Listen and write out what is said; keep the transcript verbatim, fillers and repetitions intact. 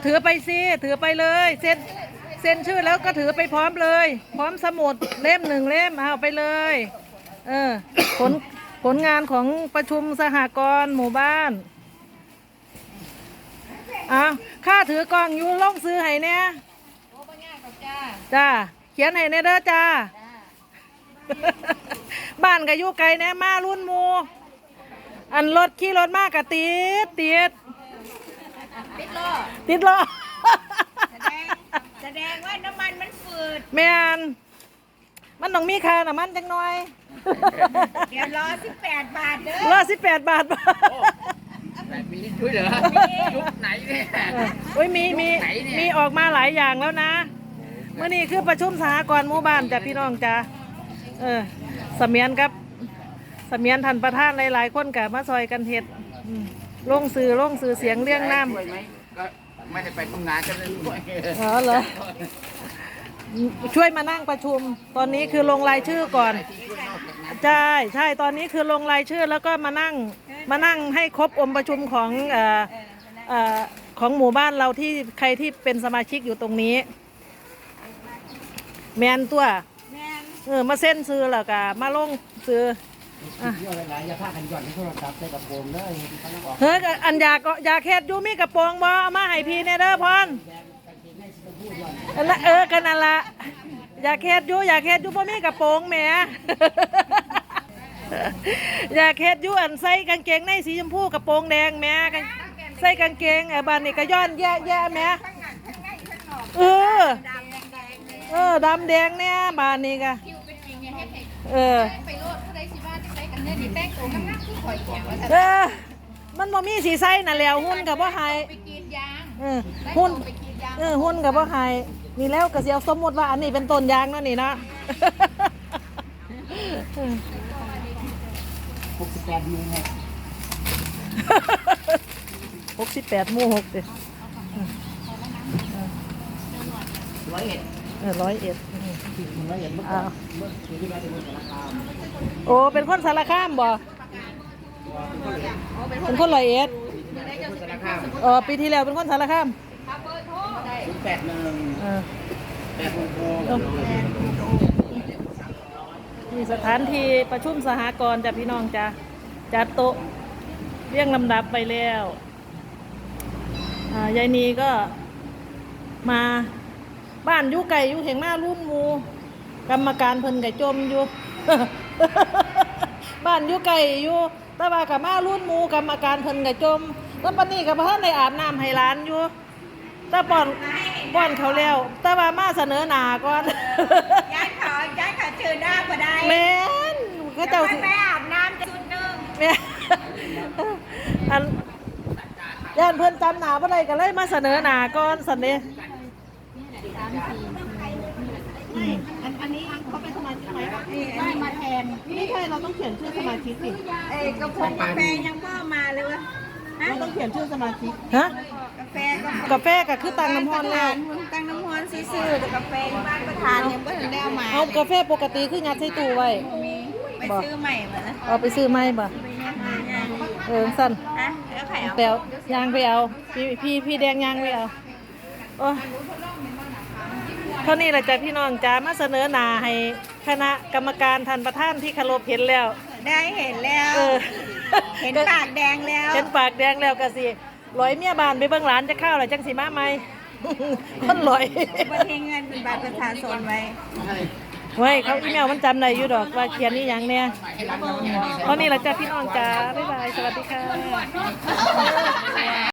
ถือไปสิถือไปเลยเซ็นเซ็นชื่อแล้วก็ถือไปพร้อมเลย พร้อมสมุดเล่มหนึ่งเล่มเอาไปเลยเออผลผลงานของประชุมสหกรณ์หมู่บ้านอ่ะข้าถือกล่องอยู่ลงซื้อให้เนี่ยจ้าเขียนให้เนี่ยเด้อจ้าบ้านกับยุไก่เนี่ยมารุ่นมูอันรถขี่รถมากกะติดติดติดล้อติดล้อแสดงแสดงว่าน้ำมันมันฝืดแม่นมันต้องมีค่าน้ำมันจังหน่อยเดี๋ยวรอสิบแปดบาทเด้อรอสิบแปดบาทแบบมีช่วยเหรอยุคไหนเนี่ยโอ้ยมีมีมีออกมาหลายอย่างแล้วนะเมื่อนี้คือประชุมสหกรณ์หมู่บ้านจ้ะพี่น้องจ้ะเออเสมียนครับเสมียนท่านประธานหลายๆคนกับมาซอยกันเฮ็ดลงสื่อลงสื่อเสียงเลี้ยงน้ำก็ไม่ได้ไปทำงานกันเลยด้วยอ๋อเหรอช่วยมานั่งประชุมตอนนี้คือลงรายชื่อก่อนใช่ใช่ตอนนี้คือลงรายชื่อแล้วก็มานั่งมานั่งให้ครบองค์ประชุมของเอ่อเอ่อของหมู่บ้านเราที่ใครที่เป็นสมาชิกอยู่ตรงนี้แมนตัวเออมาเส้นซื้อแล้วก็มาลงซื้อเฮ้ยอันอยากอยากเฮ็ดยูมีกระโปรงบ่เอามาให้พี่เนเด้อพรเออกันนั่นละอยากเฮ็ดยูอยากเฮ็ดยูบ่มีกระโปรงแหมอยากเฮ็ดยูอันใส่กางเกงในสีชมพูกระโปรงแดงแหมใส่กางเกงไอ้บ้านนี่ก็ย้อนแย่แย่แหมเออเออดำแดงเนี่ยบ้านนี้ก็เออเออมันบ่มีสีใส่น่ะแล้วหุ่นกับบ่หายเออหุ่นเออหุ่นกับบ่หายนี่แล้วก็สิเอาสมมุติว่าอันนี้เป็นต้นยางเนาะนี่นะหกสิบแปดมูหกหกสิบแปดมูหกเด้ร้อยเอ็ดเออร้อยเอ็ดร้อยเอ็ดเมื่อก่อนเมื่อปีที่แล้วเป็นคนสารคามโอ้เป็นคนสารคามบ่เป็นคนร้อยเอ็ดเออปีที่แล้วเป็นคนสารคามศูนย์แปดหนึ่งแปดหกหกมีสถานที่ประชุมสหกรณ์จ้ะพี่น้องจ้ะจัดโต๊ะเรียงลำดับไปแล้วยายนีก็มาบ้านอยู่ไก่อยู่เห็นมารุ่นมูกรรมการเพิ่นไก่จมอยู่ บ้านอยู่ไก่อยู่ตะว่ากับมารุ่นมูกรรมการเพิ่นไก่จมแล้วปนี้กับพ่อในอาบน้ำให้ร้านอยู่ตะป้อนป้อนเขาแล้วตะว่ามาเสนอหน้าก่อนย้ายขอย้ายขอเชิญหน้าก็ได้แม่นก็เจ้าสิไปอาบน้ำจุดหนึ่งแม่อันย่านเพิ่นจำหน้าบ่ได้ก็เลยมาเสนอหน้าก่อนสันนี้อันนี้เขาเป็นสมาชิกไหมได้มาแทนไม่ใช่เราต้องเขียนชื่อสมาชิกสิเอ้กาแฟกาแฟยังก็มาเลยวะเราต้องเขียนชื่อสมาชิกฮะกาแฟกาแฟก็คือตังน้ำฮอนแล้วตังน้ำฮอนซื้อๆกาแฟบ้านประธานยังไม่ถึงได้เอามาเอากาแฟปกติคืองัดใส่ตู้ไว้ไปซื้อใหม่มาแล้วเอาไปซื้อใหม่บ่เออสั้นอะแล้วไข่เอาแปลยางไปเอาพี่พี่พี่แดงยางไปเอาโอ้เท่านี้แหละจ้ะพี่น้องจ้ามาเสนอหน้าให้คณะกรรมการท่านประธานที่เคารพเห็นแล้วได้เห็นแล้วเห็นปากแดงแล้วเห็นปากแดงแล้วก็สิลอยเมียบานไปเบิ่งหลานจะเข้าหรือจังสีมาไหมคนลอยบันเทิงเงินเป็นบัตรประชาชนไว้ไว้เขาอีเมลมันจำได้อยู่ดอกว่าเขียนนี่อย่างเนี้ยเท่านี้แหละจ้ะพี่น้องจ้าบ๊ายบายสวัสดีค่ะ